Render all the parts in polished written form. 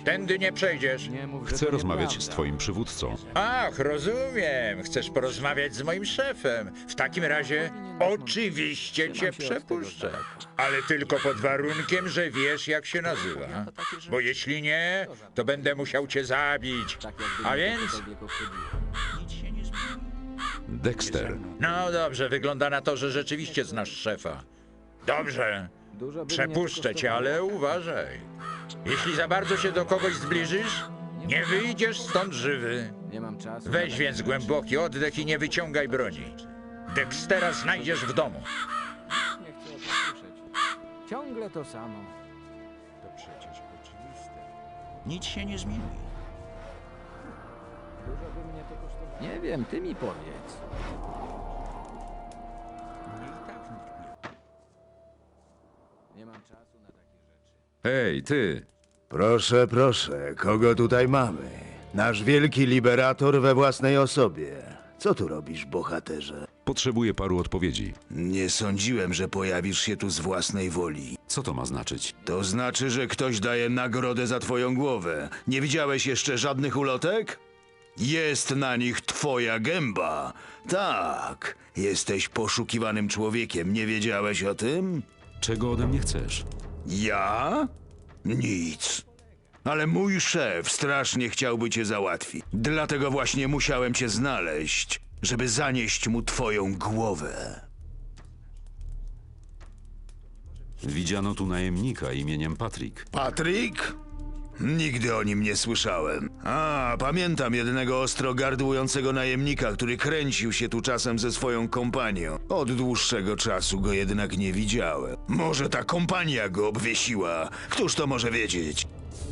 Tędy nie przejdziesz. Nie mów, że Chcę to rozmawiać z nieprawda. twoim przywódcą. Ach, rozumiem. Chcesz porozmawiać z moim szefem. W takim razie oczywiście cię przepuszczę. Ale tylko pod warunkiem, że wiesz, jak się nazywa. Bo jeśli nie, to będę musiał cię zabić. Tak jakby A mnie więc... cokolwiek obchodziło. Dexter. No dobrze, wygląda na to, że rzeczywiście znasz szefa. Dobrze, Dużo by mnie przepuszczę to cię, ale uważaj. Jeśli za bardzo się do kogoś zbliżysz, nie wyjdziesz stąd żywy. Nie mam czasu. Weź więc głęboki oddech i nie wyciągaj broni. Dextera znajdziesz w domu. Nie chcę o tym słyszeć. Ciągle to samo. To przecież oczywiste. Nic się nie zmieni. Dużo by mnie to kosztowało. Nie wiem, ty mi powiedz. Nie mam czasu na takie rzeczy. Hej, ty! Proszę, proszę, kogo tutaj mamy? Nasz wielki liberator we własnej osobie. Co tu robisz, bohaterze? Potrzebuję paru odpowiedzi. Nie sądziłem, że pojawisz się tu z własnej woli. Co to ma znaczyć? To znaczy, że ktoś daje nagrodę za twoją głowę. Nie widziałeś jeszcze żadnych ulotek? Jest na nich twoja gęba. Tak, jesteś poszukiwanym człowiekiem. Nie wiedziałeś o tym? Czego ode mnie chcesz? Ja? Nic. Ale mój szef strasznie chciałby cię załatwić. Dlatego właśnie musiałem cię znaleźć, żeby zanieść mu twoją głowę. Widziano tu najemnika imieniem Patrick. Patryk? Nigdy o nim nie słyszałem. A, pamiętam jednego ostro gardłującego najemnika, który kręcił się tu czasem ze swoją kompanią. Od dłuższego czasu go jednak nie widziałem. Może ta kompania go obwiesiła. Któż to może wiedzieć?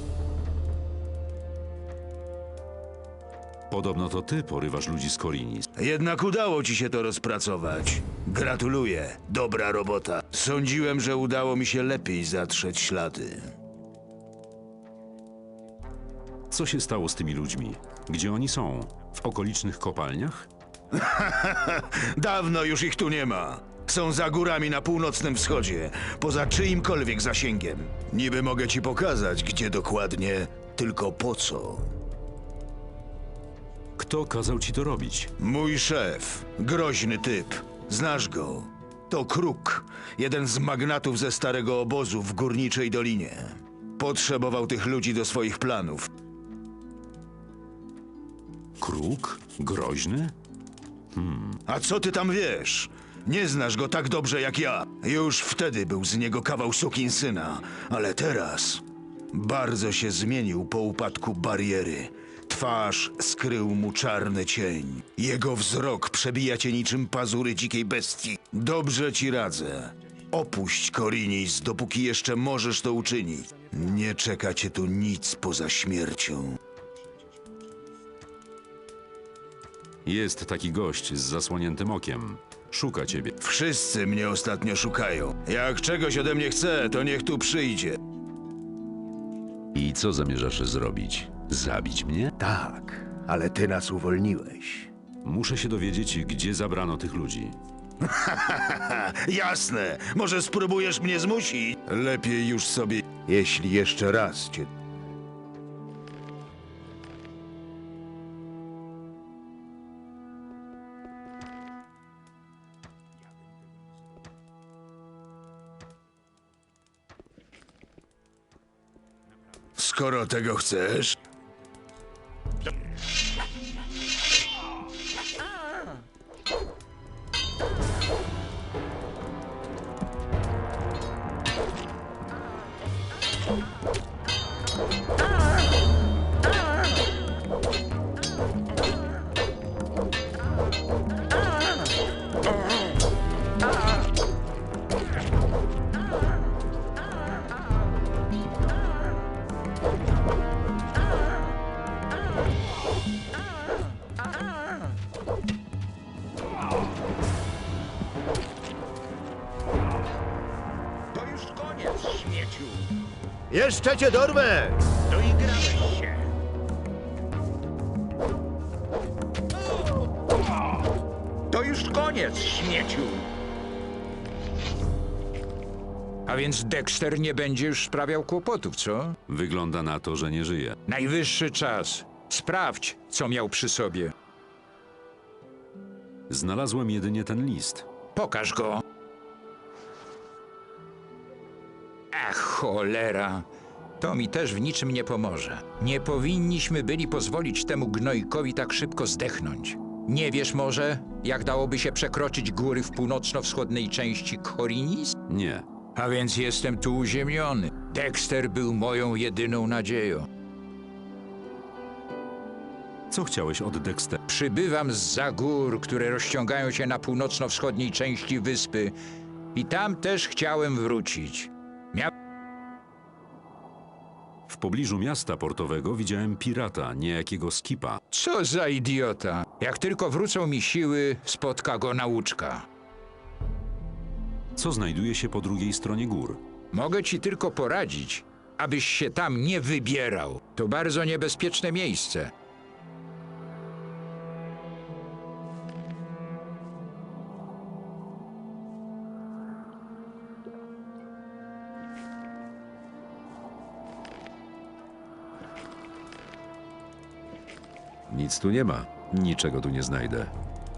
Podobno to ty porywasz ludzi z Korinis. Jednak udało ci się to rozpracować. Gratuluję. Dobra robota. Sądziłem, że udało mi się lepiej zatrzeć ślady. Co się stało z tymi ludźmi? Gdzie oni są? W okolicznych kopalniach? Dawno już ich tu nie ma. Są za górami na północnym wschodzie, poza czyimkolwiek zasięgiem. Niby mogę ci pokazać, gdzie dokładnie, tylko po co. Kto kazał ci to robić? Mój szef, groźny typ. Znasz go. To Kruk, jeden z magnatów ze starego obozu w Górniczej Dolinie. Potrzebował tych ludzi do swoich planów. Kruk? Groźny? A co ty tam wiesz? Nie znasz go tak dobrze jak ja. Już wtedy był z niego kawał sukinsyna, ale teraz bardzo się zmienił po upadku bariery. Twarz skrył mu czarny cień. Jego wzrok przebija cię niczym pazury dzikiej bestii. Dobrze ci radzę. Opuść Korinis, dopóki jeszcze możesz to uczynić. Nie czeka cię tu nic poza śmiercią. Jest taki gość z zasłoniętym okiem. Szuka ciebie. Wszyscy mnie ostatnio szukają. Jak czegoś ode mnie chce, to niech tu przyjdzie. I co zamierzasz zrobić? Zabić mnie? Tak, ale ty nas uwolniłeś. Muszę się dowiedzieć, gdzie zabrano tych ludzi. Jasne, może spróbujesz mnie zmusić? Lepiej już sobie... Jeśli jeszcze raz cię... Skoro tego chcesz... To już koniec, śmieciu. Jeszcze cię dorwę! Doigrałeś się. To już koniec, śmieciu. A A więc Dexter nie będzie już sprawiał kłopotów, co? Wygląda na to, że nie żyje. Najwyższy czas. Sprawdź, co miał przy sobie. Znalazłem jedynie ten list. Pokaż go. Ach, cholera. To mi też w niczym nie pomoże. Nie powinniśmy byli pozwolić temu gnojkowi tak szybko zdechnąć. Nie wiesz może, jak dałoby się przekroczyć góry w północno-wschodniej części Korinis? Nie. A więc jestem tu uziemiony. Dexter był moją jedyną nadzieją. Co chciałeś od Dextera? Przybywam zza gór, które rozciągają się na północno-wschodniej części wyspy. I tam też chciałem wrócić. W pobliżu miasta portowego widziałem pirata, niejakiego Skipa. Co za idiota. Jak tylko wrócą mi siły, spotka go nauczka. Co znajduje się po drugiej stronie gór? Mogę ci tylko poradzić, abyś się tam nie wybierał. To bardzo niebezpieczne miejsce. Nic tu nie ma. Niczego tu nie znajdę.